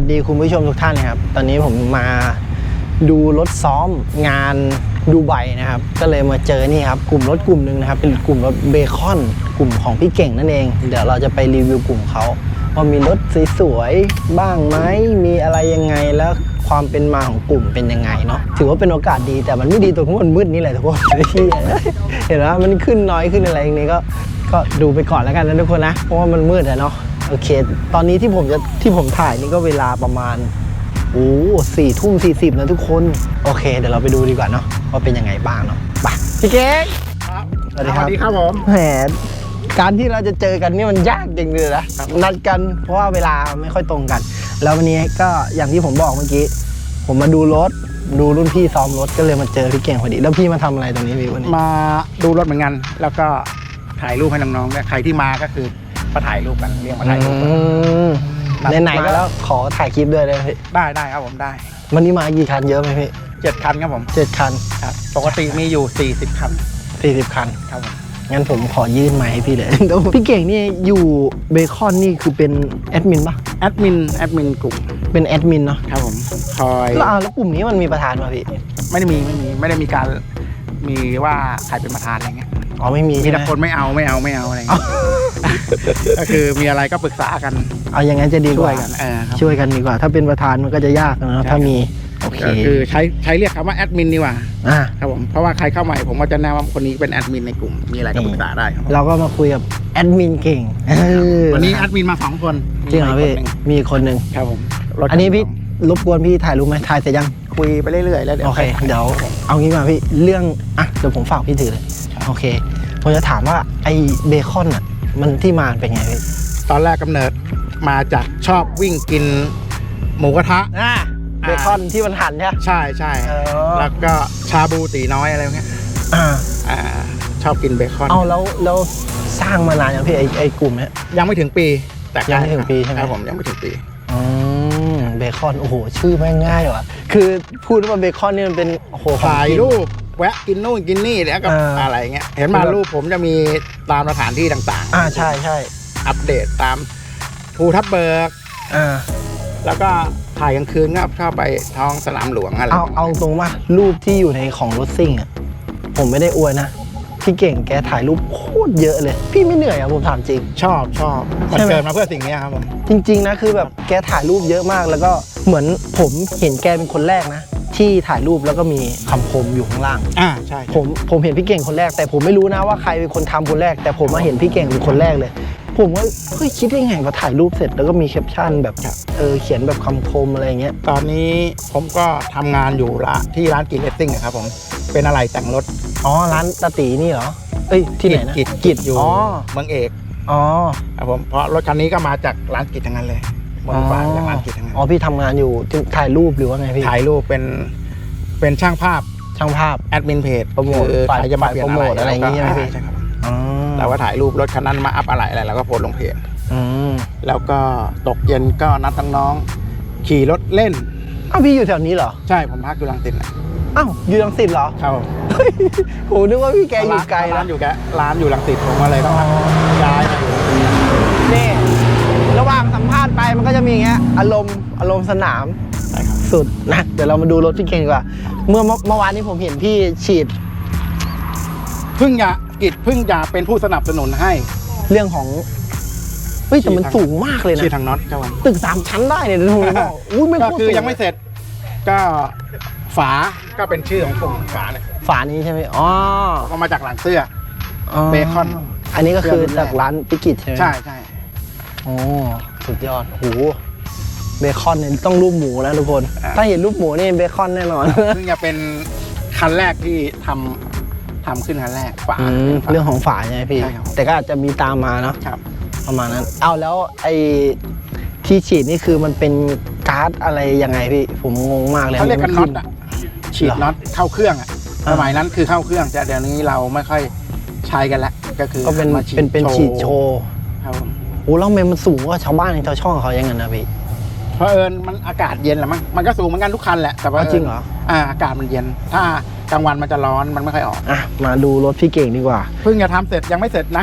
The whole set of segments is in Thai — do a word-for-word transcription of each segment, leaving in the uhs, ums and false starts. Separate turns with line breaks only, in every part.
สดีคุณผู้ชมทุกท่านนะครับตอนนี้ผมมาดูรถซ้อมงานดูไบนะครับก็เลยมาเจอนี่ครับกลุ่มรถกลุ่มหนึ่งนะครับเป็นกลุ่มรถเบคอนกลุ่มของพี่เก่งนั่นเองเดี๋ยวเราจะไปรีวิวกลุ่มเขาว่ามีรถสวยๆบ้างไหมมีอะไรยังไงแล้วความเป็นมาของกลุ่มเป็นยังไงเนาะถือว่าเป็นโอกาสดีแต่มันไม่ดีตรงที่มันมืดนี่แหละทุกคนเห็นไหมมันขึ้นน้อยขึ้นอะไรอย่างนี้ก็ก็ดูไปก่อนแล้วกันนะทุกคนนะเพราะว่ามันมืดอะเนาะโอเคตอนนี้ที่ผมจะที่ผมถ่ายนี่ก็เวลาประมาณโอ้สี่ทุ่มสี่สิบนะทุกคนโอเคเดี๋ยวเราไปดูดีกว่าเนาะว่าเป็นยังไงบ้างเนาะไปพี่เก๊ก
ครับ
สวัสดีครับ
สวัสดีครับผม
แหมการที่เราจะเจอกันนี่มันยากจริงเลยนะนัดกันเพราะว่าเวลาไม่ค่อยตรงกันแล้ววันนี้ก็อย่างที่ผมบอกเมื่อกี้ผมมาดูรถดูรุ่นพี่ซ้อมรถก็เลยมาเจอพี่เก่งพอดีแล้วพี่มาทำอะไรตรงนี้พี่วันนี้
มาดูรถเหมือนกันแล้วก็ถ่ายรูปให้น้องๆและใครที่มาก็คือมาถ่ายรูปกันเรียกมาถ่ายรูป
ไหนๆก็แล้วขอถ่ายคลิปด้วยได้ไหมพี่
ได้ได้ครับผมได้
วันนี้มากี่คันเยอะไหมพี่
เจ็ดคันครับผม
เจ็ดคัน
ครับปกติมีอยู่สี่สิบคัน
สี่สิบคัน
ครับผม
งั้นผมขอยื่นไมค์ให้พี่เลยพี่เก่งนี่อยู่เบคอนนี่คือเป็นแอดมินป่ะ
แอดมินแอดมินกลุ่ม
เป็นแอดมินเนาะ
ครับผมคอย
แล้วแล้วกลุ่มนี้มันมีประธานป่ะพี่
ไม่ได้มีไม่มีไม่ได้มีการมีว่าใครเป็นประธานอะไรเงี้ย
อ๋อไม่มี
มีแต่คนไม่เอาไม่เอาไม่เอาอะไรเงี้ยก็คือมีอะไรก็ปรึกษากัน
เอาอย่างงั้นจะดีกว่า
ช่วยกันเออ
ช่วยกันดีกว่าถ้าเป็นประธานมันก็จะยากนะถ้ามีโอเค
คือใช้ใช้เรียกคำว่าแอดมินดีกว่า
อ่า
ครับผมเพราะว่าใครเข้าใหม่ผมก็จะแนะนำคนนี้เป็นแอดมินในกลุ่มมีอะไรก็ปรึกษาได้ครับ
เราก็มาคุยกับแอดมินเก่ง
วันนี้แอดมินมาสองคน
จริงเหรอพี่มีคนหนึ่ง
ครับผม
อันนี้พี่รบกวนพี่ถ่ายรูปไหมถ่ายเสร็จยัง
คุยไปเรื่อยๆแล้วเดี๋ยว
โอเคเดี๋ยวเอางี้มาพี่เรื่องอ่ะเดี๋ยวผมฝากพี่ถือเลยโอเคผมจะถามว่าไอ้เบคอนอ่ะมันที่มาเป็นไงพี่
ตอนแรกกำเนิดมาจากชอบวิ่งกินหมูกระทะ
อ่าเบคอนที่มันหั่นใช่ไหม
ใช่ใช่แล้วก็ชาบูตีน้อยอะไรเงี้ย
อ่า
อ่าชอบกินเบคอน
เอาแล้วแล้วสร้างมานานยังพี่ไอ้ไอ้กลุ่มเนี้ย
ยังไม่ถึงปีแต่
ยังไม่ถึงปีใช่ไหม
ครับผมยังไม่ถึงปี
อืมเบคอนโอ้โหชื่อแม่งง่ายว่ะคือพูดว่าเบคอนนี่มันเป็นโอ้โห
ถ่ายรูปแวะกินนู่นกินนี่แล้วก็อะไรเงี้ยเห็นมารูปผมจะมีตามสถานที่ต่าง
ๆอ่าใช่ใช่
อัปเดตตามภูทับเบิก
อ่า
แล้วก็ถ่ายกลางคืนก็ชอบไปท้องสนามหลวงอะไร
เอาเอาตรงว่ารูปที่อยู่ในของรถซิ่งอ่ะผมไม่ได้อวยนะพี่เก่งแกถ่ายรูปโคตรเยอะเลยพี่ไม่เหนื่อยอ่ะผมถามจริง
ชอบชอบมันเกิดมาเพื่อสิ่งนี้ครับผม
จริงๆนะคือแบบแกถ่ายรูปเยอะมากแล้วก็เหมือนผมเห็นแกเป็นคนแรกนะที่ถ่ายรูปแล้วก็มีคำคมอยู่ข้างล่าง
อ่าใช่
ผมผมเห็นพี่เก่งคนแรกแต่ผมไม่รู้นะว่าใครเป็นคนทำคนแรกแต่ผมมาเห็นพี่เก่งเป็นคนแรกเลยผมว่าเฮ้ยคิดได้ไงว่าถ่ายรูปเสร็จแล้วก็มีแคปชั่นแบบเออเขียนแบบคำคมอะไรเงี้ย
ตอนนี้ผมก็ทำงานอยู่ละที่ร้านกิจเลสซิ่งครับผมเป็นอะไรแต่งรถ
อ๋อร้านตาตีนี่เหรอเอ้ยที่ไหนนะ
กิจกิจอยู่เมืองเอก
อ๋อ
ครับผมเพราะรถคันนี้ก็มาจากร้านกิจทั้งนั้นเลยบนฟ้าจากร้านกิจทั้งนั้น
อ๋อพี่ทำงานอยู่ถ่ายรูปหรือว่าไงพี่
ถ่ายรูปเป็นเป็นช่างภาพ
ช่างภาพ
แอดมินเพจ
โปรโมทฝ่ายจะมาเปลี่ยนอะไรอะไรอย่างเงี้ยพี่
ใช่ครับเราก็ถ่ายรูปรถคันนั้นมาอัพอะไรอะไรแล้วก็โพสลงเพจแล้วก็ตกเย็นก็นัดน้องๆขี่รถเล่น
อ้าวพี่อยู่แถวนี้เหรอ
ใช่ผมพักอยู่รังสิตนะ
อ้าวอยู่รังสิตเหรอ
ครับ
โหนึกว่าพี่แกอยู่ไกล
ร้านอยู่แกร้านอยู่รังสิตผมก็เลยต้องย้ายมาอยู่
นี่ระหว่างสัมภาษณ์ไปมันก็จะมีอย่างเงี้ยอารมณ์อารมณ์สนามสุดนะเดี๋ยวเรามาดูรถพี่เก่งดีกว่าเมื่อเมื่อวานนี้ผมเห็นพี่ฉีด
เพิ่งจะกิจเพิ่งจะเป็นผู้สนับสนุนให้
เรื่องของเฮ้ยแต่มันสูงมากเลยนะ
ฉีดทางน็อตครับ
ตึกสามชั้นได้เนี่ยทุกคนบอกอุ้ยไม่
ก็คือยังไม่เสร็จก็ฝาก็เป็นชื่อของกลุ่มฝาเนี่ย
ฝานี้ใช่ไหมอ๋อ
ก็มาจากหลังเสื้อเบคอน
อันนี้ก็คือจากร้านพิกิตใช่ไหม
ใช่ใช่
โอ้สุดยอดโหเบคอนเนี่ยต้องรูปหมูนะทุกคนถ้าเห็นรูปหมูนี่เบคอนแน่นอน
ซึ่งจะเป็นคันแรกที่ทำทำขึ้นคันแรกฝา
เรื่องของฝาใช่ไหมพี่แต่ก็อาจจะมีตามมาเนาะประมาณนั้นเอาแล้วไอ้ที่ฉีดนี่คือมันเป็นก๊าซอะไรยังไงพี่ผมงงมากเลย
เขาเรียกกันน็อตอ่ะฉีดน็อตเข้าเครื่องอ่ะสมัยนั้นคือเข้าเครื่องแต่เดี๋ยวนี้เราไม่ค่อยใช้กันแล้วก็คือ
ก็เป็นเป็นเป็นฉีดโชว์
ครับ
โอ้แล้วเมมันสูงกว่าชาวบ้านในชาวช่องเขายังไงนะพี่
เพราะเอิญมันอากาศเย็นแหละมั้งมันก็สูงเหมือนกันทุกคันแหละแต่ว่า
จริงเหรอ
อ่าอากาศมันเย็นถ้ากลางวันมันจะร้อนมันไม่ค่อยออก
อ่ะมาดูรถพี่เก่งดีกว่า
เพิ่งจะทำเสร็จยังไม่เสร็จนะ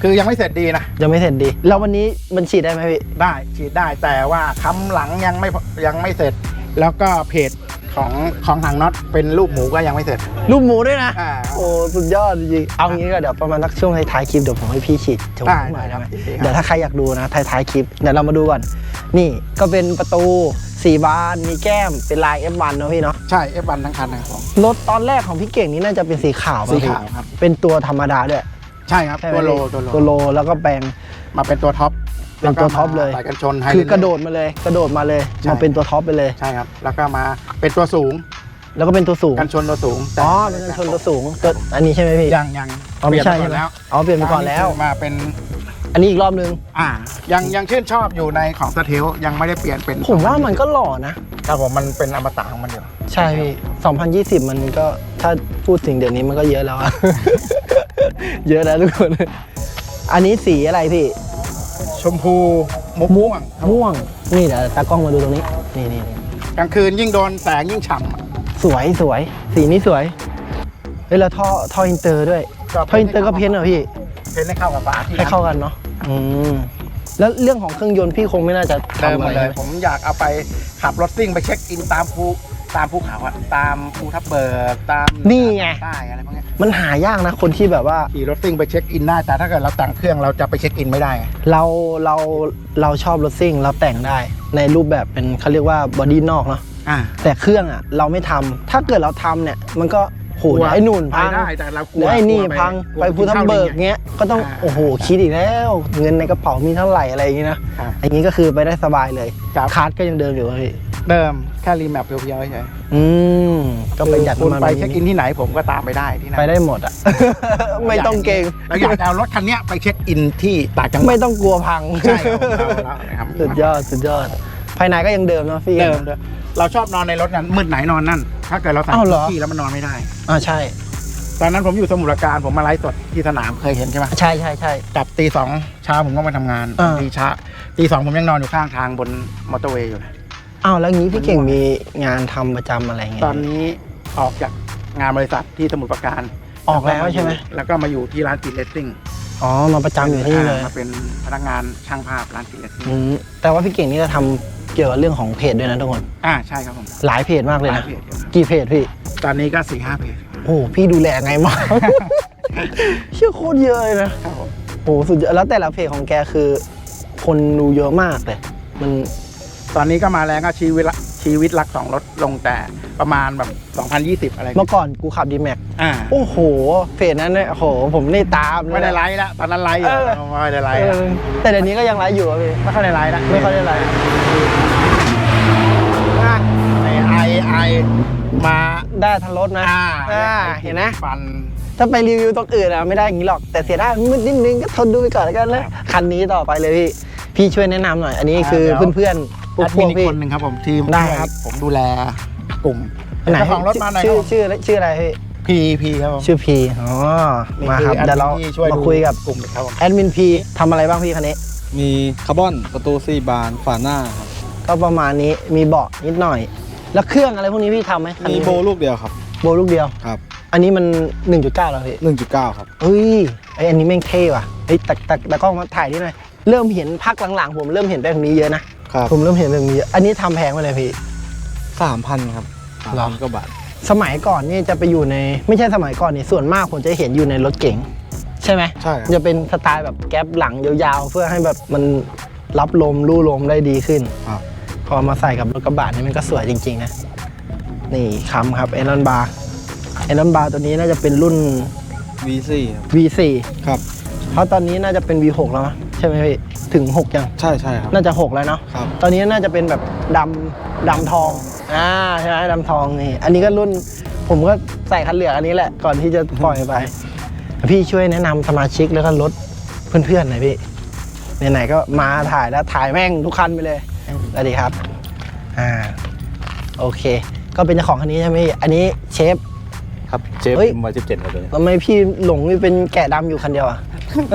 คือยังไม่เสร็จดีนะ
ยังไม่เสร็จดีแล้ววันนี้มันฉีดได้ไหมพี่
ได้ฉีดได้แต่ว่าค้ำหลังยังไม่ยังไม่เสร็จ แล้วก็เพจของของทางน็อตเป็นรูปหมูก็ยังไม่เสร็จ
รูปหมูด้วยนะ
อ่า
โอ้สุดยอดจริงๆเอางี้ก็เดี๋ยวประมาณนักช่วงท้ายๆคลิปเดี๋ยวผมให้พี่ฉีดโชว์
ได้
หน่อย
ได้
ได้ไหม
ครับ
เดี๋ยวถ้าใครอยากดูนะท้ายๆคลิปเดี๋ยวเรามาดูก่อนนี่ก็เป็นประตูสี่บานมีแก้มเป็นลาย เอฟ วัน เนอะพี่เนาะ
ใช่ เอฟ วัน ทั้งคันนะครับผม
รถตอนแรกของพี่เก่งนี่น่าจะเป็นสีขาวป่ะ
สี
พี่
ขาวครับ
เป็นตัวธรรมดาด้วย
ใช่ครับ
ใช่ไหม
ตัวโล
พี่
ตัวโล
ตัวโลแล้วก็แปลง
มาเป็นตัวท็อป
เป็นตัวท็อปเลย
ใส่กันชนไฮ
คือกระโดดมาเลยกระโดดมาเลย
ใช่
มาเป็นตัวท็อปไปเลย
ใช่ครับ แล้วก็มาเป็นตัวสูง
แล้วก็เป็นตัวสูง
กันชนตัวสูง
อ๋อเป็นกันชนตัวสูงตัวอันนี้ใช่ไหมพี่
ยังยัง
อ๋อไม่ใช่
เปลี่ยน
ใช่
ไป
ไหม
ก่อนแล้ว
อ๋อเปลี่ยนไปก่อนแล้ว
มาเป็น
อันนี้อีกรอบนึง
อ่า ยังยังชื่นชอบอยู่ในของสเทลยังไม่ได้เปลี่ยนเป็น
ผมว่ามันก็หล่อนะ
ครับผมมันเป็นอมตะของมันอยู่
ใช่พี่สองพันยี่สิบมันก็ถ้าพูดถึงเดี๋ยวนี้มันก็เยอะแล้วอะ เยอะแล้วทุกคน อันนี้สีอะไรพี่
ชมพูมุกม่วง
ม่วง นี่เดี๋ยวตากล้องมาดูตรงนี้ นี่นี่นี่
กลางคืนยิ่งโดนแสงยิ่งฉ่ำอะ
สวยสวย สีนี้สวย เฮ้ยแล้วท่อท่ออินเตอร์ด้วย ท่ออินเตอร์ก็เพ้นท์เหรอพี่
เพ้นให้เข้ากับฝาที่
ให้เข้ากันเนาะ อืม แล้วเรื่องของเครื่องยนต์พี่คงไม่น่าจะ
เดิม
ทำ
หม
อะ
ด
ไร
เลย
ใช่ไหม
ผมอยากเอาไปขับรถซิ่งไปเช็คอินตามภูตามภูเขาอะตามภูทับเบิกตาม
นี่ไง
ใต้อะไรพวกเนี้ย
มันหายากนะคนที่แบบว่า
ขี่รถซิ่งไปเช็คอินได้แต่ถ้าเกิดเราแต่งเครื่องเราจะไปเช็คอินไม่ได้ไง
เราเราเราชอบรถซิ่งเราแต่งได้ ในรูปแบบเป็นเขาเรียกว่าบอดี้นอกเนาะ
อ่า
แต่เครื่องอ่ะเราไม่ทำถ้าเกิดเราทำเนี่ยมันก็โห
กลัว
ไอ้นู่น
ไป
พัง
ได้แต่เรากลั
เดี๋
ว
ยวไอ้นี่
กลัว
พัง
กลัว
ไปภูทับเบิก
กินข้าว
เงี้ยก็ต้อง
อ่า
โอ้โหคิดอีกแล้ว เงินในกระเป๋ามีเท่าไหร่อะไรอย่างงี้นะ
อ่า
อย่างงี้ก็คือไปได้สบายเลย
ครับ
คาร์ดก็ยังเดิมอยู่อะพี่
เดิมแค่รีแมปเพียวๆเฉย
อืมก็ประหยัด
คุณ
มา
ไปเช็คอินที่ไหนผมก็ตามไปได้ที่นั่น
ไปได้หมดอ่ะ ไม่ต้องเกรง
เราอยากจะเอารถคันเนี้ยไปเช็คอินที่ต่างจังหวัด
ไม่ต้องกลัวพัง
ใช่ครับผมเอาแล้วนะครับ
สุดยอดสุดยอด ภายในก็ยังเดิมเนาะพี่
เดิมเดิมเราชอบนอนในรถนั้นมืดไหนนอนนั่น ถ้าเกิดเราใส่
อ้าวเหรอ
ที่แล้วมันนอนไม่ได้
อ่าใช่
ตอนนั้นผมอยู่สมุทรปราการผมมาไลฟ์สดที่สนามเคยเห็นใช่ไหม
ใช่ใช่ใช่
กลับตีสองเช้าผมก็มาทำงาน
อ่า
ตีเช้าตีสองผมยังนอนอยู่ข้างทางบนมอเตอร์เวย์อยู่เลย
อ้าวแล้วงี้พี่เก่งมีงานทำประจำอะไรเงี้ย
ตอนนี้ออกจากงานบริษัทที่สมุทรปราการ
ออกแล้วใช่ไหม
แล้วก็มาอยู่ที่ร้านกินเลสซิ่ง
อ๋อมาประจำอยู่ที่นี่เลย
มาเป็นพนักงานช่างภาพร้านกินเลสซิ่ง
อืมแต่ว่าพี่เก่งนี่จะทำเกี่ยวกับเรื่องของเพจด้วยนะทุกคน
อ่าใช่ครับผม
หลายเพจมากเลย
หลา
นะ
ยเพจครับ
กี่เพจพี่
ตอนนี้ก็สี่ห้าเพจ
โอ้พี่ดูแลไงมาก เชื่อโคตรเยอะเลยนะ
ครับผม
โอ้สุดยอดแล้วแต่ละเพจของแกคือ คนดูเยอะมากเลยมัน
ตอนนี้ก็มาแรงก็ชีวิตละชีวิตรักสองรถลงแต่ประมาณแบบสองพันยี่สิบอะไร
เมื่อก่อนกูขับดีแม็ก
อ่า
โอ้โหเพจนั้นเนี่ยโอ้โหผมนี่ตามเลย
ไม่ได้ไลฟ์แล้วตอนนั้นไลฟ์อยู่
เออ
ไม่ได้ไล
เอ
ฟ์แล้ว
อแต่เดี๋ยวนี้ก็ยังไลฟ์อยู่อะพี่
ไม่ค่อยได้ไลฟ์แล้ว
ไม่ค่อยได้ไลฟ์
ไอไอไอมา
ได้ทันรถนะ
อ่า
อ่าเห็นไหม
ฟัน
ถ้าไปรีวิวตรงอื่นอะไม่ได้อย่างนี้หรอกแต่เสียดายมืดนิดนึงก็ทนดูไปก่อนแล้วกันนะคันนี้ต่อไปเลยพี่พี่ช่วยแนะนำหน่อย อันนี้คือเพื่อนๆพว
แอก ด
พ
มิ
วน ก
อีก
พี่
คนหนึ่งครับผมทีม
ได้ครับ
ผมดูแลกลุ่ม
อันไหน
เจ้าของรถมาหน่อยค
ชื่
รั
อบ ชื่อชื่ออะไรพี่
พีพีครับผม
ชื่อพีอ๋อมาครับ
นี่อ
เดี๋ยวเรา
แอมินที่ช่วย
มา
ดู
คุยกับ
กลุ่มครับผม
แอดมินพีทำอะไรบ้างพี่คันนี้
มีคาร์บอนประตูสี่บานฝาหน้าครับ
ก็ประมาณนี้มีเบาะนิดหน่อย แล้วเครื่องอะไรพวกนี้พี่ทำไหมคัน
มี
นี้
โบลูกเดียวครับ
โบลูกเดียว
ครับ
อันนี้มัน หนึ่งจุดเก้า แล้วพี่
หนึ่งจุดเก้าครับ
เฮ้ยไออันนี้แม่งเท่ว่ะเฮ้ยแต่แต่แต่กล้องมาถ่ายนิดหน่อยเริ่มเห็นพักหลังๆ ผมเริ่มเห็นแบบนี้เยอะนะครับ ผมเริ่มเห็นแบบนี้เยอะอันนี้ทำแพงไปเลยพี่
สามพันครับสาม
เหรอ
พันกว่าบาท
สมัยก่อนนี่จะไปอยู่ในไม่ใช่สมัยก่อนนี่ส่วนมากผมจะเห็นอยู่ในรถเก๋งใช่ไหม
ใช่ครับ
จะเป็นสไตล์แบบแก๊ปหลังยาวๆ เพื่อให้แบบมันรับลมลู่ลมได้ดีขึ้น
ครับ
พอมาใส่กับรถกระบะนี่มันก็สวยจริงๆนะนี่คำครับไอรอนบาร์ไอรอนบาร์ตัวนี้น่าจะเป็นรุ่น
วี สี่ครับ
วี โฟร์
ครับ
เพราะตอนนี้น่าจะเป็น วี ซิกซ์ แล้วมั้ยใช่ไหมพี่ถึงหกยัง
ใช่ใช่ครับ
น่าจะหกแล้วเนาะ
ครับ
ตอนนี้น่าจะเป็นแบบดำดำทองอ่าใช่ไหมดำทองนี่อันนี้ก็รุ่นผมก็ใส่คันเหลืองอันนี้แหละก่อนที่จะปล่อยไปพี่ช่วยแนะนำสมาชิกแล้วก็รถเพื่อนๆหน่อยพี่ไหนๆก็มาถ่ายแล้วถ่ายแม่งทุกคันไปเลยสวัสดีครับอ่าโอเค ก็เป็นเจ้าของคันนี้ใช่ไหมพี่อันนี้เชฟ
ครับเจฟ
เฮ้ย
มาสิบเจ็ดครับตัวนี้
ทำไมพี่หลงนี่เป็นแกะดำอยู่คันเดียวอะ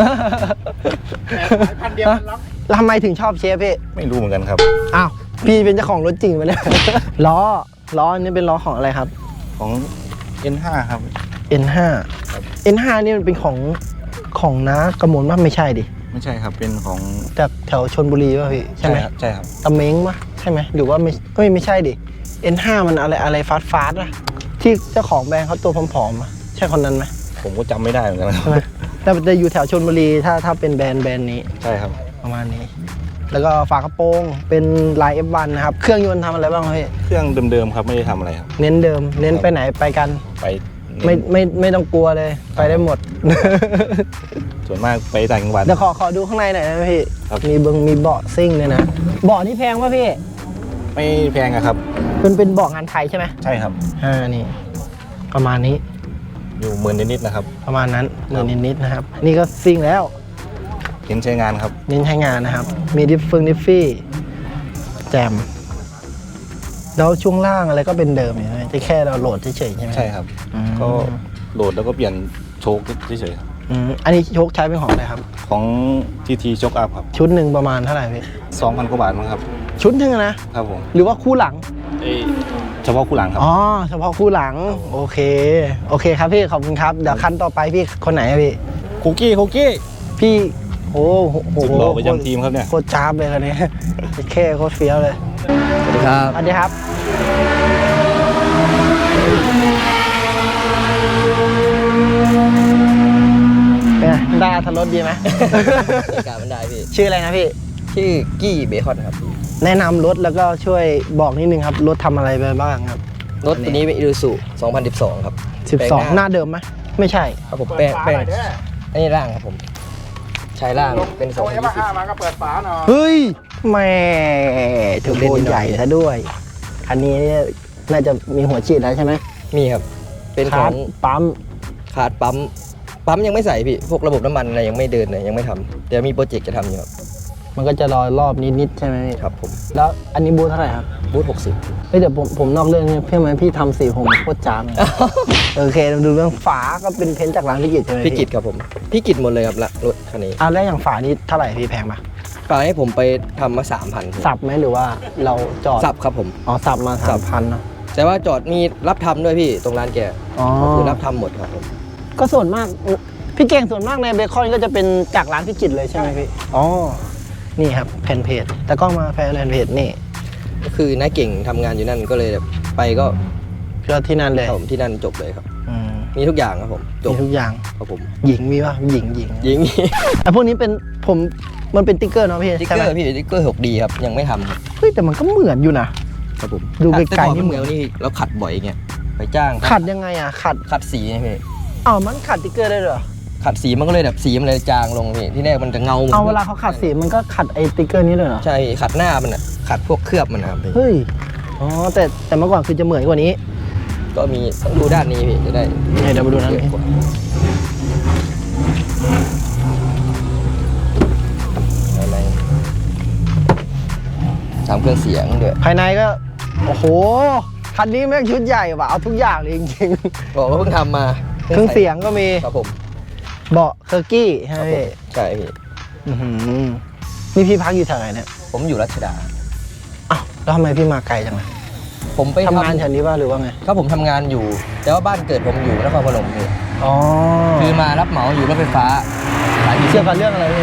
สายพันธุ์เดียวกันล็อก
แล้วทำไมถึงชอบเชฟพี่
ไม่รู้เหมือนกันครับ
อ้าวพี่เป็นเจ้าของรถจริงไหมเนี่ย ล้อล้ออันนี้เป็นล้อของอะไรครับ
ของ เอ็น ห้า ครับ
เอ็น ห้า เอ็น ห้า นี่มันเป็นของของน้ากระมวลว่าไม่ใช่ดิ
ไม่ใช่ครับเป็นของ
จากแถวชนบุรีป่ะพี่ใช่ไหม
ครับใช่ครับ
ตะเม้งปะใช่ไหมหรือว่าไม่เอ้ยไม่ใช่ดิ เอ็น ห้า มันอะไรอะไรฟาสฟาสอะที่เจ้าของแบรนด์เขาตัวผอมๆอะใช่คนนั้นไหม
ผมก็จำไม่ได้เหมือนกันค
ใช่ไหม
รับ
แต่จะอยู่แถวชนบุรีถ้าถ้าเป็นแบรนด์แบรนด์นี้
ใช่ครับ
ประมาณนี้ แล้วก็ฝากระโปรงเป็นลาย เอฟ วัน นะครับ เครื่องยนต์ทำอะไรบ้างพี่
เครื่องเดิมๆครับไม่ได้ทำอะไรครับ
เน้นเดิม เน้นไปไหนไปกัน
ไปเน้น
ไม่ไม่ไม่ต้องกลัวเลย ไปได้หมด
ส่วนมากไปต่างจังหวัด
เดี๋ยวขอขอดูข้างในหน่อยนะพี่
ครับ
มีเบิงมีเบาะซิ่งเลยนะ เบาะนี่แพงป่ะพี่
ไม่แพงอะครับ
เป็นเป็นเบาะงานไทยใช่ไหม
ใช่ครับ
อ่า นี่ ประมาณนี้
อยู่หมื่นนิดๆนะครับ
ประมาณนั้นหมื่นนิดๆนะครับ นี่ก็ซิ่งแล้ว
เห็นใช้งานครับ
เน้นใช้งานนะครับ มีดิฟฟึงดิฟฟี่ แจม แล้วช่วงล่างอะไรก็เป็นเดิมอยู่ใช่ไหมจะแค่เราโหลดเฉยๆใช่ไหม
ใช่ครับ
อืม
ก็โหลดแล้วก็เปลี่ยนโชคเฉยๆครับ
อืมอันนี้โชคใช้เป็นของอะไรครับ
ของทีทีโชคอัพครับ
ชุดหนึ่งประมาณเท่าไหร่พี่
สองพันกว่าบาทมั้งครับ
ชุดหนึ่งอะนะ
ครับผม
หรือว่าคู่หลัง
เอ้ยเฉพาะคู่หลังครับ
อ๋อ เฉพาะคู่หลัง โอเค โอเคครับพี่ ขอบคุณครับ เดี๋ยวคันต่อไปพี่คนไหนอะพี่
คุกกี้คุกกี้
พี่ โอ้โห
สุดหล่อประจำทีมครับเนี่ย
โคตรจ้าบเลยคันนี้ แค่โคตรเฟี้ยวเลย
สวัสดีครับ
สวัสดีครับ เป็นไงได้อัตรสดีไหม
บรรยากาศมันได้พี่
ชื่ออะไรนะพี่
ชื่อกี้เบคอนครับ
แนะนำรถแล้วก็ช่วยบอกนิดนึงครับ รถทำอะไรไปบ้างครับ
รถตัวนี้เป็นอิ u ซูสองพันสิบสองครับ
สิบสอง
แปลง
หน้าเดิมไหมไม่ใช่
ครับผมแป้งแป้งอันนี้ร่างครับผม ใช้ร่างเป็นสอง
โอ้
พั
ย
น
มา
ยี่สิบ
ห้ามาก็เปิดฝาหน่อย
เฮ้ยแหม่ถึงโบนใหญ่ซะด้วย คันนี้น่าจะมีหัวฉีดแล้วใช่ไหม
มีครับ เป็นข
คา
อ
ร์
ง
ดปั๊ม
คาร์ดปั๊ม ปั๊มยังไม่ใส่พี่ พวกระบบน้ำมันอะไรยังไม่เดินเลยยังไม่ทำเดี๋ยวมีโปรเจกต์จะทำอยู่ครับ
มันก็จะรอยรอบนิดๆใช่ไหมพี่
ครับผม
แล้วอันนี้บูธเท่าไหร่ครับ
บูธหกสิบ
เฮ้ยเดี๋ยวผมผมนอกเรื่องนี่เพื่อนไหมพี่ทำสีผมโคตรจ้ามเลย โอเคดูเรื่องฝาก็เป็นเพ้นท์จากร้านพิกิตใช่ไหม
พี่กิตครับผม พี่กิตหมดเลยครับละรถคันนี้
อ่ะแล้วอย่างฝานี้เท่าไหร่พี่แพงปะ
ฝาให้ผมไปทำมาสามพัน
สับไหมหรือว่าเราจอด
สับครับผม
อ๋อสับมา
สั
สาม
บ
พันเนาะ
แต่ว่าจอดมีรับทำด้วยพี่ตรงร้านแก
อ๋อ
ก็คือรับทำหมดครับผม
ก็ส่วนมากพี่เก่งส่วนมากในเบคอนก็จะเป็นจากร้านพิกิตเลยใช่ไหมพี่อ๋อนี่ครับแผ่นเพจแต่กล้องมาแผ่นเพจนี่
ก็คือน้าเก่งทำงานอยู่นั่นก็เลยแบบไปก็
ก็ที่นั่นเลย
ครับผมที่นั่นจบเลยครับ
อืม
มีทุกอย่างครับผมจบ
มีทุกอย่าง
ครับผม
หญิงมีป่ะหญิงหญิง
ยิง
ไอ้พวกนี้เป็นผมมันเป็นติ๊กเกอร์เนาะพี่
ติ๊ก
ใช่
เก
ไห
อ
ม
ร์พี่ติ๊กเกอร์หกดีครับยังไม่ทำครับ
เฮ้ยแต่มันก็เหมือนอยู่นะครับ
ผม
ดูไกลๆ
แต่ก่อน
นี่
ไม่
เห
เห
มื
มื
อ
อน นนี่เราขัดบ่อยเงี้ยไปจ้าง
ขัดยังไงอ่ะขัด
ขัดสีไงพี่
อ๋อมันขัดติ๊กเกอร์ได้ด้วยเหรอ
ขัดสีมันก็เลยแบบสีมันเลยจางลงพี่ที่แรกมันจะเงาหมืน
เอาเวลาเขาขัดสีมันก็ขัดไอ้ติ๊กเกอร์นี้เลยเหรอ
ใช่พี่ขัดหน้ามันอ่ะขัดพวกเคลือบมันนะครับพี่
เฮ้ยอ๋อแต่แต่เมื่อก่อนคือจะเหมือนกว่านี้
ก็มีต้องดูด้านนี้พี่จะได้
เดี๋ยวมาดูนั้น
เยอะกว่าอะไรทำเครื่องเสียงด้วย
ภายในก็โอ้โหคันนี้แม่งชุดใหญ่ว่ะเอาทุกอย่างเลยจริง
บอกว่าเพิ่งทำมา
ๆเครื่องเสียงก็มี
ครับผม
เบาะเคอร์กี้ใช่
ค
ไหม
รับผม
พี่
ใช่พี่
อื้อหือนี่พี่พักอยู่แถวไหนเนี่ย
ผมอยู่รัชดา
อ้าวแล้วทำไมพี่มาไกลจังเลย
ผมไป
ทำงานแถวนี้ป่ะหรือว่าไง
ครับผมทำงานอยู่ แต่ว่าบ้านเกิดผมอยู่นครพนมพี่
อ๋อ
คือมารับเหมาอยู่รถไฟฟ้าสาย
เชื่อกันเรื่องอะไรพี่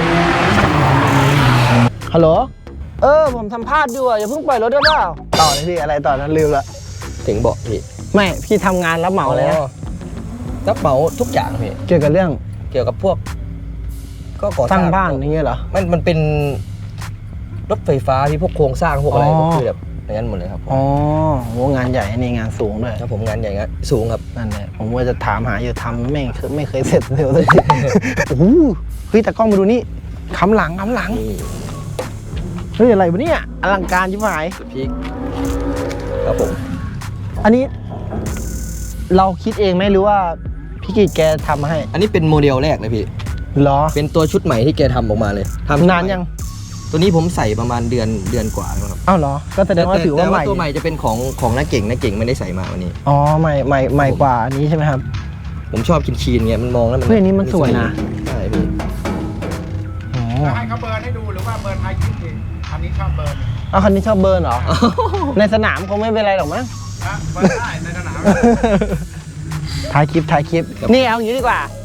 ฮัลโหลเออผมสัมภาษณ์อยู่อ่ะอย่าเพิ่งปล่อยรถได้เปล่าต่อเลยพี่อะไรต่อนั้นลืมละ
ถึงบอกพี่
ไม่พี่ทำงานรับเหมาเลยนะ
รับเหมาทุกอย่างพี่
เกี่ยวกับเรื่อง
เกี่ยวกับพวก ก็ก่อ
ส
ส
ร้า
ร้าง ง
บ้านอย่างเงี้ยเหรอ
มันมันเป็นรถไฟฟ้าที่พวกโครงสร้างพวกอะไร
อ๋อ
ก็คือแบบอย่างนั้นหมดเลยครับผม
อ๋อโหงานใหญ่นี่งานสูงด้วย
ถ้าผมงานใหญ่งานสูงครับ
นั่นแหละผมว่าจะถามหาอยู่ทำไม่เคยไม่เคยเสร็จเร็วเลย โอ้โหเฮ้ยแต่กล้องมาดูนี่คำหลังคำหลัง
นี่
เฮ้ยอะไรวะเนี่ยอลังการชิบหาย
พีคครับผม
อันนี้ เราคิดเองไหมหรือว่าพี่กิจแกทำมาให้
อันนี้เป็นโมเดลแรกเลยพี่
เหรอ
เป็นตัวชุดใหม่ที่แกทำออกมาเลยทำ
นานยัง
ตัวนี้ผมใส่ประมาณเดือนเดือนกว่าแล้วครับ
อ้าวเหรอก็แสดงว่าถือว่า
แต่
ใหม่
ตัวใหม่จะเป็นของของน้าเก่งน้าเก่งไม่ได้ใส่มาวันนี้
อ๋อใหม่ใหม่ใหม่กว่าอันนี้ใช่ไหมครับ
ผมชอบคินคีนๆเงี้ยมันมองแล้วมัน
เฮ้ยอันนี้มันสวยนะ
ใช่พี่
อ๋อ
จะให้เขาเบิร์นให้ดูหรือว่าเบิร์นไทยคิดเองอันนี้ชอบเบิร์น
เอาคันนี้ชอบเบิร์นเหรอ ในสนามคงไม่เป็นไรหรอกมั้ง
นะเบิร์นได้ในสนาม
ถ่ายคลิปถ่ายคลิป นี่เอาอย่างนี้ดีกว่า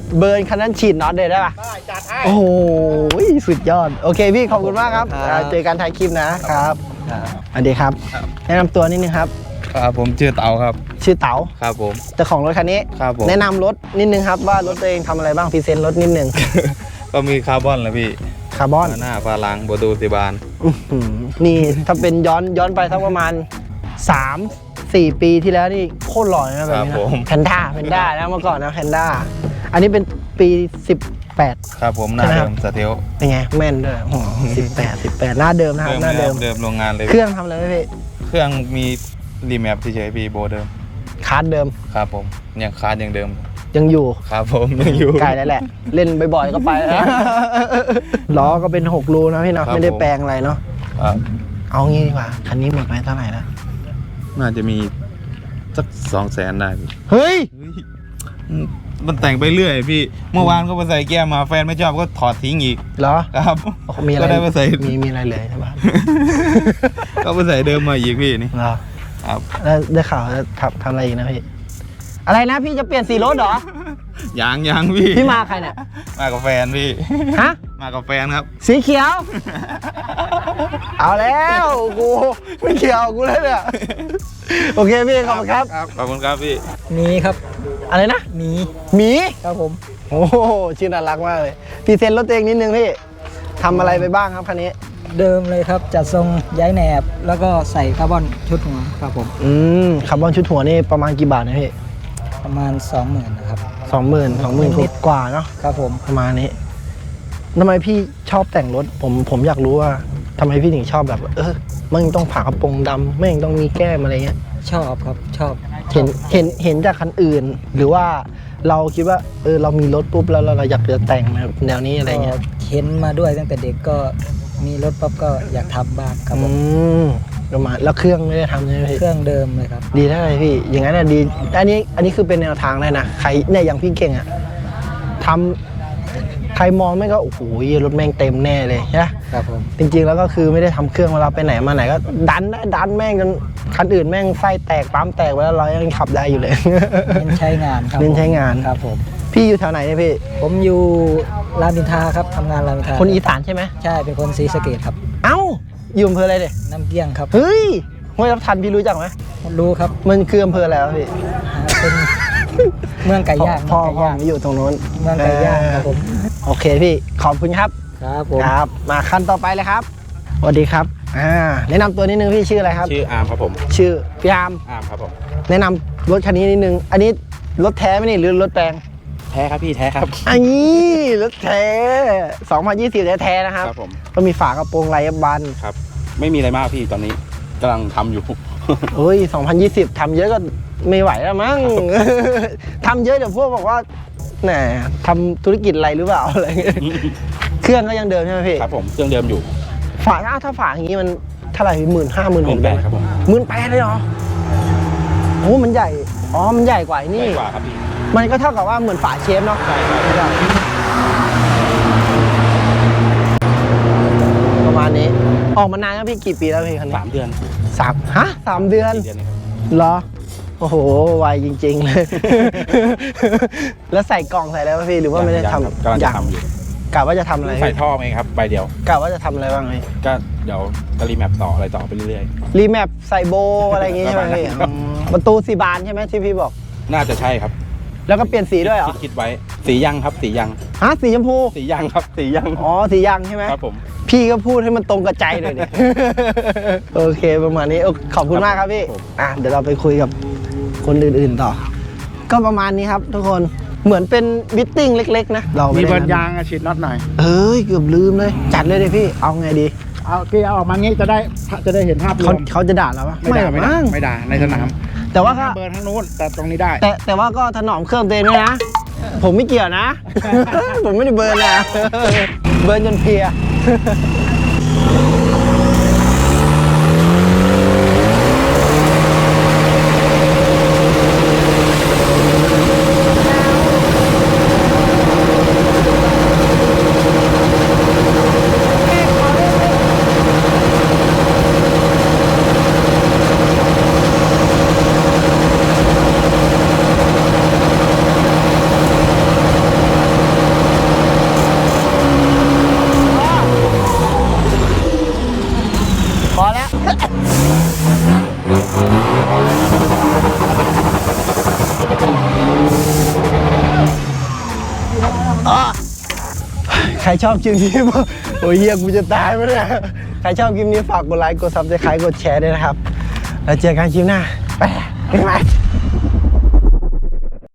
เบิร์นคันนั้นฉีดน็อตเลยได้ปะ
ได้จัดให้
โอ้โหสุดยอดโอเคพี่ขอบคุณมากครับ
ครับ
อ่าเจอกันท้ายคลิปนะครับสวัสดีครับแนะนำตัวนิดนึงครับ
ครับผมชื่อเต๋าครับ
ชื่อเต๋า
ครับผม
เจ้าของรถคันนี้
ครับผม
แนะนำรถนิดนึงครับว่ารถตัวเองทำอะไรบ้างพรีเซนต์รถนิดนึง
ก็มีคาร์บอนแหละพี่
คาร์บอน
หน้าฟาลังประตูสีบาน
อื้อหือนี่ถ้าเป็นย้อนย้อนไปสักประมาณสามสี่ปีที่แล้วนี่โคตรหล่อนะแบบนี้
ครับผม
นะแพนด้าแพนด้านะเมื่อก่อนนะแพนด้าอันนี้เป็นปีสิบแปด
ครับผมหน้า
ใช่ไหมครั
เดิ
บ
มสเทล
เป็นไงแม่นด้วยสิบแปดสิบแปดหน้าเดิมนะครับหน้าเดิม
เดิมโรงงานเลย
เครื่องทำอะไรไหมพี่
เครื่องมีรีแมปเฉยๆพี่โบเดิม
คาร์ดเดิม
ครับผมยังคาร์ดยังเดิม
ยังอยู่
ครับผมยังอยู่
ใกล้แล้วแหละ เล่นบ่อยๆก็ไปแล้ว ล้อก็เป็นหกรูนะพี่เนาะ
ครับ
ไม่ได้
ผม
แปลงอะไรเนาะ
ครับ
เอางี้ดีกว่าคันนี้หมดไปเท่าไหร่แล้ว
น่าจะมีสักสองแสนได้พี่
เฮ้ย
เฮ้ยมันแต่งไปเรื่อยพี่เมื่อวานก็ไปใส่แก้มมาแฟนไม่ชอบก็ถอดทิ้งอีก
เหรอ
ครับ
โอ้โหมีอะไร
ก็ได้มาใส่
มีมีอะไรเลยใช่ปะ
ก็ไปใส่เดิมมาอีกพี่นี่
เหรอ
ครับ
แล้วได้ข่าวจะทำทำอะไรอีกนะพี่ อะไรนะพี่จะเปลี่ยนสีรถเหรอ
ยางยางพี่
พี่มาใครเนี่ย
มากับแฟนพี่
ฮะ
มากับแฟนครับ
สีเขียว เอาแล้วกูไม่เขียวกูเลยเนี่ยโอเคพี่ขอบคุณครับ
ขอบคุณครับพี่
มีครับ
อะไรนะ
มี
หมี
ครับผม
โอ้โหชื่อน่ารักมากเลยพรีเซนต์รถตัวเองนิดนึงพี่ทำอะไรไปบ้างครับคันนี้
เดิมเลยครับ จัดทรงย้ายแหนบ แล้วก็ใส่คาร์บอนชุดหัวครับผม
อืมคาร์บอนชุดหัวนี่ประมาณกี่บาทนะพี่
ประมาณ สองหมื่นนะครับ
สองหมื่นสองหมื่น
นิด
กว่าเนาะ
ครับผม
ประมาณนี้ทำไมพี่ชอบแต่งรถผมผมอยากรู้ว่าทำไมพี่ถึงชอบแบบ เออมันต้องผ่ากระโปรงดำไม่ต้องมีแก้มอะไรเงี้ย
ชอบครับชอบ
เห็นเห็นเห็นจากคันอื่น หรือว่าเราคิดว่าเออเรามีรถปุ๊บแล้วเราเราอยากจะแต่งแบบแนวนี้อะไรเงี้ย
ก็เห็นมาด้วยตั้งแต่เด็กก็มีรถปั๊บก็อยากทำบ้างครับผ
อื
ม
มประมาณแล้วเครื่องไม่ได้ทำใช่ไหมพี่
เครื่องเดิมเลยครับ
ดีได้เลยพี่ อย่างนั้นน่ะดี อันนี้ อันนี้คือเป็นแนวทางเลยนะ ใครเนี่ยอย่างพี่เก่งอะทำใครมองไม่ก็ โอ้โห รถแม่งเต็มแน่เลยนะครับ
ผม
จริงๆ แล้วก็คือไม่ได้ทำเครื่องเวลาไปไหนมาไหนก็ดันได้ดันแม่งจนคันอื่นแม่งไส้แตกปั๊มแตกไปแล้วเรายังขับได้อยู่เลย
เน้นใช้งานครับ
เน้นใช้งาน
ครับผม
พี่อยู่แถวไหนเนี่ยพี่
ผมอยู่รามอินทราครับทำงานรามอินทรา
คนอีสานใช่ไหม
ใช่เป็นคนศรีสะเกษครับ
เอ้า อยู่อำเภออะไรเนี่ย
น้ำเกี้ยงครับ
เฮ้ยห้วยรับทันพี่รู้จักไหม
รู้ครับ
มันคืออำเภออะไรวะพี่
เป็น เมืองไก่ย่าง
พ่อ
เมือง
พ่อ
ไก่ย่าง
ผมอยู่ตรงโน้น
เมืองไก่ย่างครับผม
โอเคพี่ ขอบคุณครับ
ครับผม
ครับ มาคันต่อไปเลยครับสวัสดีครับอ่าแนะนำตัวนิดนึงพี่ชื่ออะไรครับ
ชื่ออาร์มครับผม
ชื่อพี่อาร์ม
อาร์มครับผม
แนะนำรถคันนี้นิดนึง อันนี้รถแท้ไหมนี่หรือรถแปลง
แท้ครับพี่แท้ครับ
อันนี้รถแท้สองพันยี่สิบแท้ๆนะครับ
ครับผม
ก็มีฝากระโปรงไรบัน
ครับ ไม่มีอะไรมากพี่ตอนนี้กำลังทำอยู่
เฮ้ยสองพันยี่สิบทำเยอะก็ไม่ไหวแล้วมั้ง ทำเยอะเดี๋ยวพวกบอกว่าแหมทำธุรกิจอะไรหรือเปล่าอะไรเงี้ยเครื่องก็ยังเดิมใช่ไหมพี่
ครับผมเครื่องเดิมอยู่
ฝาถ้าฝาอย่างนี้มันเท่าไหร่หมื่นห้าหมื่นหก
หมื่นแปดครับผม
หมื่นแปดเลยเหรอโอ้มันใหญ่ อ๋อ มันใหญ่กว่าไอ้
ให
นี่
ญ่กว่าครับพี่
มันก็เท่ากับว่าเหมือนฝาเชฟเนาะ
ใช่ครับ
ประมาณนี้ ออกมานานแล้วพี่กี่ปีแล้วพี่คันนี้
สามเดือน
สามฮะสามเดือน
สี่เดือนเองครับ
เหรอ โอ้โห ไวจริง ๆ เลย แล้วใส่กล่องใส่อะไรวะพี่ หรือว่าไม่ได้
ยัง
ทำ
ครับกำลังจะทำอยู่
กะว่าจะทำอะไร
ใส่
พี่
ท่อเองครับใบเดียว
กะว่าจะทำอะไรบ้างพี่
ก็เดี๋ยวจะรีแมปต่ออะไรต่อไปเรื่อย
รีแมปใส่โบอะไรอย่างงี้ใช่ไหมพี่
ครับ
อ๋อประตูสีบานใช่ไหมที่พี่บอก
ๆ น่าจะใช่ครับ
แล้วก็เปลี่ยนสีด้วยเหรอ
คิดคิดไว้ สียังครับ สียัง
ฮะสีชมพู
สียังครับ สียัง
อ๋อสียังใช่ไหม
ครับผม
พี่ก็พูดให้มันตรงกับใจเลยดิ โอเคประมาณนี้โอขอบคุณมากครับพี่ อ่ะเดี๋ยวเราไปคุยกับคนอื่นๆต่อ ก็ประมาณนี้ครับทุกคนเหมือนเป็นมิทติ้งเล็กๆนะเรา
มี
ไได้
เบิร์นยางอะฉีดน็อตหน่อย
เอ้ยเกือบลืมเลย จัดเลยเลยพี่เอาไงดี
เอาเกียร์เอาออกมางี้จะได้จะได้เห็นภาพร
เขา
วม
เขาจะด่าเราปะ
ไม่ด่า
หรอก
ไม่ด่า
มั้ง
ไม่ด่าในสนาม
แต่ว่าก็
เบิร์นทั้งนู้นแต่ตรงนี้ได้
แต่แต่ว่าก็ถนอมเครื่องตัวเองด้วยนะ ผมไม่เกี่ยวนะ ผมไม่ได้เบิร์นนะ เบิร์นจนเพลียอ๋อใครชอบคลิปนี้บ้างโอ้ยเฮียกูจะตายไหมเนี่ยใครชอบคลิปนี้ฝากกดไลค์กดซับสไครต์กดแชร์ด้วยนะครับแล้วเจอกันคลิปหน้าไปบ๊ายบาย